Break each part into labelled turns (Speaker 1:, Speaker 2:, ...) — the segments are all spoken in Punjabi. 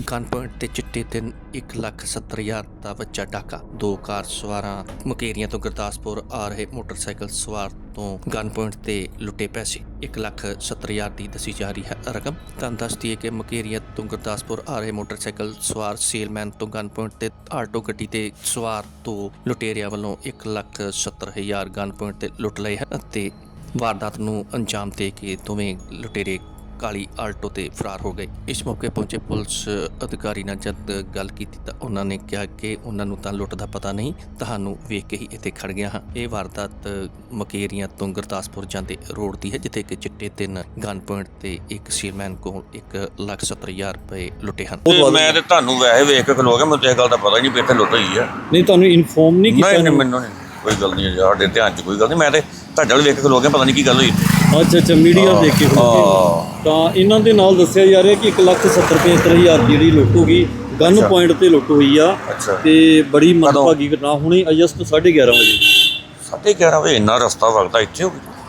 Speaker 1: ਗਨ ਪੁਆਇੰਟ ਤੇ ਚਿੱਟੇ ਦਿਨ 1,70,000 ਦਾ ਵੱਜਾ ਡਾਕਾ। ਦੋ ਕਾਰ ਸਵਾਰਾਂ ਮੁਕੇਰੀਆਂ ਤੋਂ ਗੁਰਦਾਸਪੁਰ ਆ ਰਹੇ ਮੋਟਰਸਾਈਕਲ ਸਵਾਰ ਤੋਂ ਗਨ ਪੁਆਇੰਟ ਤੇ ਲੁੱਟੇ ਪੈਸੇ। 1,70,000 ਦੀ ਦੱਸੀ ਜਾ ਰਹੀ ਹੈ ਰਕਮ। ਤੁਹਾਨੂੰ ਦੱਸ ਦਈਏ ਕਿ ਮੁਕੇਰੀਆਂ ਤੋਂ ਗੁਰਦਾਸਪੁਰ ਆ ਰਹੇ ਮੋਟਰਸਾਈਕਲ ਸਵਾਰ ਸੇਲਮੈਨ ਤੋਂ ਗਨ ਪੁਆਇੰਟ ਤੇ ਆਟੋ ਗੱਡੀ ਤੇ ਸਵਾਰ ਤੋਂ ਲੁਟੇਰਿਆਂ ਵੱਲੋਂ 1,70,000 ਗਨ ਪੁਆਇੰਟ ਤੇ ਲੁੱਟ ਲਏ ਹਨ ਅਤੇ ਵਾਰਦਾਤ ਨੂੰ ਅੰਜਾਮ ਦੇ ਕੇ ਦੋਵੇਂ ਲੁਟੇਰੇ ਕਾਲੀ ਆਲਟੋ ਤੇ ਫਰਾਰ ਹੋ ਗਏ। ਇਸ ਮੌਕੇ ਪਹੁੰਚੇ ਪੁਲਿਸ ਅਧਿਕਾਰੀ ਨਾਲ ਜਦ ਗੱਲ ਕੀਤੀ ਤਾਂ ਉਹਨਾਂ ਨੇ ਕਿਹਾ ਕਿ ਉਹਨਾਂ ਨੂੰ ਤਾਂ ਲੁੱਟ ਦਾ ਪਤਾ ਨਹੀਂ, ਤੁਹਾਨੂੰ ਵੇਖ ਕੇ ਹੀ ਇੱਥੇ ਖੜ ਗਿਆ ਹਾਂ। ਇਹ ਵਾਰਦਾਤ ਮੁਕੇਰੀਆਂ ਤੋਂ ਗੁਰਦਾਸਪੁਰ ਜਾਂਦੇ ਰੋਡ ਦੀ ਹੈ, ਜਿੱਥੇ ਕਿ ਚਿੱਟੇ ਦਿਨ ਗਨ ਪੁਆਇੰਟ ਤੇ ਇੱਕ ਸੀਲਮੈਨ ਕੋਲ 1,70,000 ਰੁਪਏ ਲੁੱਟੇ ਹਨ।
Speaker 2: ਮੈਂ ਤੇ ਤੁਹਾਨੂੰ ਵੈਸੇ ਵੇਖ ਕੇ ਖਲੋ ਗਿਆ, ਮੈਨੂੰ ਇਸ ਗੱਲ ਦਾ ਪਤਾ ਹੀ ਨਹੀਂ ਵੀ ਇੱਥੇ ਲੁੱਟ ਹੋਈ ਆ।
Speaker 3: ਨਹੀਂ, ਤੁਹਾਨੂੰ ਇਨਫੋਰਮ ਨਹੀਂ ਕੀਤਾ?
Speaker 2: ਨਹੀਂ, ਮੈਨੂੰ ਨਹੀਂ, ਕੋਈ ਗੱਲ ਨਹੀਂ, ਸਾਡੇ ਧਿਆਨ 'ਚ ਕੋਈ ਗੱਲ ਨਹੀਂ। ਮੈਂ ਤੇ ਤੁਹਾਡੇ ਵੱਲ ਵੇਖ ਕੇ ਖਲੋ ਗਿਆ, ਪਤਾ ਨਹੀਂ ਕੀ ਗੱਲ ਹੋਈ।
Speaker 3: ਅੱਛਾ, ਮੀਡੀਆ ਦੇਖ ਕੇ ਤਾਂ ਇਹਨਾਂ ਦੇ ਨਾਲ ਦੱਸਿਆ ਜਾ ਰਿਹਾ ਕਿ 1,70,000 ਦੀ ਜਿਹੜੀ ਲੁੱਟ ਹੋ ਗਈ, ਗਨ ਪੁਆਇੰਟ ਤੇ ਲੁੱਟ ਹੋਈ ਆ ਤੇ ਬੜੀ ਮੰਦਭਾਗੀ ਘਟਨਾ ਹੋਣੀ। ਅਗਸਤ 11:30 ਵਜੇ
Speaker 2: 11:30 ਵਜੇ ਇੰਨਾ ਰਸਤਾ ਵਗਦਾ ਇੱਥੇ ਹੋ ਗਿਆ।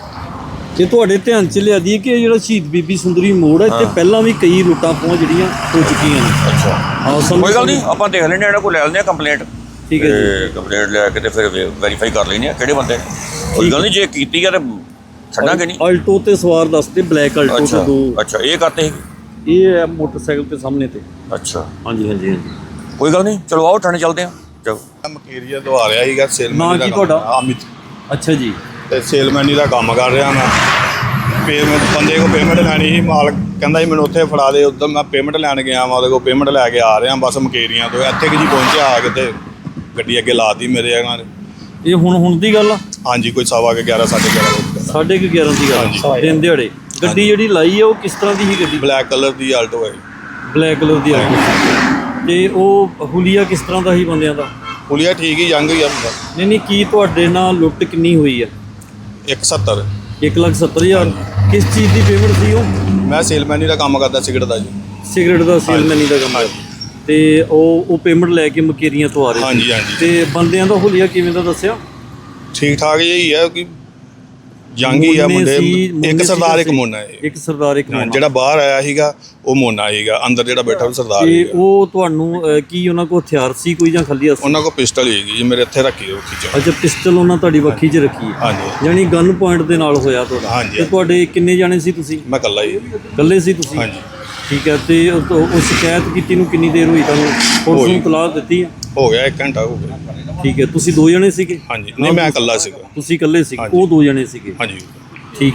Speaker 3: ਇਹ ਤੁਹਾਡੇ ਧਿਆਨ 'ਚ ਲਿਆ ਦੀ ਕਿ ਜਿਹੜਾ ਸ਼ਹੀਦ ਬੀਬੀ ਸੁੰਦਰੀ ਮੋੜ ਹੈ, ਇੱਥੇ ਪਹਿਲਾਂ ਵੀ ਕਈ ਲੁੱਟਾਂ ਖੋਹਾਂ ਜਿਹੜੀਆਂ ਹੋ ਚੁੱਕੀਆਂ ਨੇ।
Speaker 2: ਅੱਛਾ, ਕੋਈ ਗੱਲ ਨਹੀਂ, ਆਪਾਂ ਦੇਖ ਲੈਂਦੇ, ਇਹਨਾਂ ਕੋਲ ਲੈ ਲੈਂਦੇ ਆ ਕੰਪਲੇਂਟ।
Speaker 3: ਠੀਕ ਹੈ ਜੀ,
Speaker 2: ਕੰਪਲੇਂਟ ਲੈ ਕੇ ਤੇ ਫਿਰ ਵੈਰੀਫਾਈ ਕਰ ਲੈਂਦੇ ਆ ਕਿਹੜੇ ਬੰਦੇ। ਕੋਈ ਗੱਲ ਨਹੀਂ, ਜੇ ਕੀਤੀ ਆ ਤੇ ਛੱਡਾਂਗੇ ਨਹੀਂ।
Speaker 3: ਆਲਟੋ ਤੇ ਸਵਾਰ ਦੱਸਦੇ, ਬਲੈਕ ਆਲਟੋ ਤੇ ਦੋ।
Speaker 2: ਅੱਛਾ, ਇਹ ਕਰਤੇ ਸੀ,
Speaker 3: ਇਹ ਹੈ ਮੋਟਰਸਾਈਕਲ ਤੇ ਸਾਹਮਣੇ ਤੇ।
Speaker 2: ਅੱਛਾ,
Speaker 3: ਹਾਂਜੀ ਹਾਂਜੀ ਹਾਂਜੀ,
Speaker 2: ਕੋਈ ਗੱਲ ਨਹੀਂ, ਚਲੋ ਆਓ ਥਾਣੇ ਚੱਲਦੇ ਆ। ਚਲੋ,
Speaker 4: ਮਕੇਰੀਆ ਤੋਂ ਆ ਰਿਹਾ ਸੀਗਾ ਸੇਲਮੈਨ ਦਾ।
Speaker 3: ਕੀ ਤੁਹਾਡਾ?
Speaker 4: ਅਮਿਤ।
Speaker 3: ਅੱਛਾ ਜੀ,
Speaker 4: ਤੇ ਸੇਲਮੈਨੀ ਦਾ ਕੰਮ ਕਰ ਰਿਹਾ ਮੈਂ। ਬੰਦੇ ਕੋਲ ਪੇਮੈਂਟ ਲੈਣੀ ਸੀ, ਮਾਲਕ ਕਹਿੰਦਾ ਸੀ ਮੈਨੂੰ ਉੱਥੇ ਫੜਾ ਦੇ। ਉੱਧਰ ਮੈਂ ਪੇਮੈਂਟ ਲੈਣ ਗਿਆ, ਮੈਂ ਉਹਦੇ ਕੋਲ ਪੇਮੈਂਟ ਲੈ ਕੇ ਆ ਰਿਹਾ ਬਸ ਮਕੇਰੀਆਂ ਤੋਂ। ਇੱਥੇ ਕਿ ਜੀ ਪਹੁੰਚਿਆ ਆ ਕੇ ਤੇ ਗੱਡੀ ਅੱਗੇ ਲਾਤੀ ਮੇਰੇ ਇਹਨਾਂ ਨੇ।
Speaker 3: ਇਹ ਹੁਣ ਦੀ ਗੱਲ ਆ?
Speaker 4: ਹਾਂਜੀ, ਕੋਈ 11:15
Speaker 3: 11:30 ਦੀ ਗੱਲ। ਦਿਨ ਦਿਹਾੜੇ ਗੱਡੀ ਜਿਹੜੀ ਲਾਈ ਆ ਉਹ ਕਿਸ ਤਰ੍ਹਾਂ ਦੀ ਸੀ ਗੱਡੀ?
Speaker 4: ਬਲੈਕ ਕਲਰ ਦੀ ਆਲਟੋ ਹੈ।
Speaker 3: ਬਲੈਕ ਕਲਰ ਦੀ ਆਲਟੋ। ਤੇ ਉਹ ਹੁਲੀਆ ਕਿਸ ਤਰ੍ਹਾਂ ਦਾ ਸੀ ਬੰਦਿਆਂ ਦਾ?
Speaker 4: ਪੁਲੀਆ ਠੀਕ ਹੀ ਜੰਗ ਹੀ ਆ।
Speaker 3: ਨਹੀਂ, ਕੀ ਤੁਹਾਡੇ ਨਾਲ ਲੁੱਟ ਕਿੰਨੀ ਹੋਈ ਆ?
Speaker 4: 170।
Speaker 3: 1,70,000। ਕਿਸ ਚੀਜ਼ ਦੀ ਪੇਮੈਂਟ ਸੀ ਉਹ?
Speaker 4: ਮੈਂ ਸੇਲਮੈਨੀ ਦਾ ਕੰਮ ਕਰਦਾ, ਸਿਗਰਟ ਦਾ ਜੀ।
Speaker 3: ਸਿਗਰਟ ਦਾ ਸੇਲਮੈਨੀ ਦਾ ਕੰਮ। ਤੇ ਉਹ ਪੇਮੈਂਟ ਲੈ ਕੇ ਮਕੇਰੀਆਂ ਤੋਂ ਆ ਰਹੇ?
Speaker 4: ਹਾਂਜੀ ਹਾਂਜੀ।
Speaker 3: ਤੇ ਬੰਦਿਆਂ ਦਾ ਹੁਲੀਆ ਕਿਵੇਂ ਦਾ ਦੱਸਿਆ?
Speaker 4: ਠੀਕ ਠਾਕ ਜਿਹੀ ਹੈ ਕਿ ਜੰਗ ਹੀ ਆ ਮੁੰਡੇ। ਇੱਕ ਸਰਦਾਰ ਇੱਕ ਮੋਨਾ ਹੈ।
Speaker 3: ਇੱਕ ਸਰਦਾਰ ਇੱਕ ਮੋਨਾ।
Speaker 4: ਜਿਹੜਾ ਬਾਹਰ ਆਇਆ ਸੀਗਾ ਉਹ ਮੋਨਾ ਸੀਗਾ, ਅੰਦਰ ਜਿਹੜਾ ਬੈਠਾ ਉਹ ਸਰਦਾਰ
Speaker 3: ਸੀ। ਉਹ ਤੁਹਾਨੂੰ ਕੀ ਉਹਨਾਂ ਕੋਲ ਹਥਿਆਰ ਸੀ ਕੋਈ ਜਾਂ ਖਾਲੀ ਹੱਥ?
Speaker 4: ਉਹਨਾਂ ਕੋਲ ਪਿਸਟਲ ਸੀਗੀ ਜੀ, ਮੇਰੇ ਇੱਥੇ ਰੱਖੀ ਉਹ ਖਿੱਚ।
Speaker 3: ਅੱਛਾ, ਪਿਸਟਲ ਉਹਨਾਂ ਤੁਹਾਡੀ ਵੱਖੀ 'ਚ ਰੱਖੀ ਹੈ?
Speaker 4: ਹਾਂਜੀ।
Speaker 3: ਯਾਨੀ ਗਨ ਪੁਆਇੰਟ ਦੇ ਨਾਲ ਹੋਇਆ ਤੁਹਾਡਾ?
Speaker 4: ਹਾਂਜੀ।
Speaker 3: ਤੇ ਤੁਹਾਡੇ ਕਿੰਨੇ ਜਾਣੇ ਸੀ ਤੁਸੀਂ?
Speaker 4: ਮੈਂ ਇਕੱਲਾ ਹੀ।
Speaker 3: ਇਕੱਲੇ ਸੀ ਤੁਸੀਂ?
Speaker 4: ਹਾਂਜੀ।
Speaker 3: ਠੀਕ ਹੈ। ਤੇ ਉਹ ਸ਼ਿਕਾਇਤ ਕੀਤੀ ਨੂੰ ਕਿੰਨੀ ਦੇਰ ਹੋਈ ਤੁਹਾਨੂੰ? ਪੁਲਿਸ ਨੂੰ ਇਤਲਾਹ ਦਿੱਤੀ ਹੈ?
Speaker 4: ਹੋ ਗਿਆ 1 ਘੰਟਾ ਹੋ ਗਿਆ।
Speaker 3: ਠੀਕ ਹੈ। ਤੁਸੀਂ 2 ਜਣੇ ਸੀਗੇ?
Speaker 4: ਹਾਂਜੀ। ਨਹੀਂ, ਮੈਂ ਇਕੱਲਾ ਸੀਗਾ।
Speaker 3: ਤੁਸੀਂ ਇਕੱਲੇ ਸੀਗੇ, ਉਹ 2 ਜਣੇ ਸੀਗੇ?
Speaker 4: ਹਾਂਜੀ।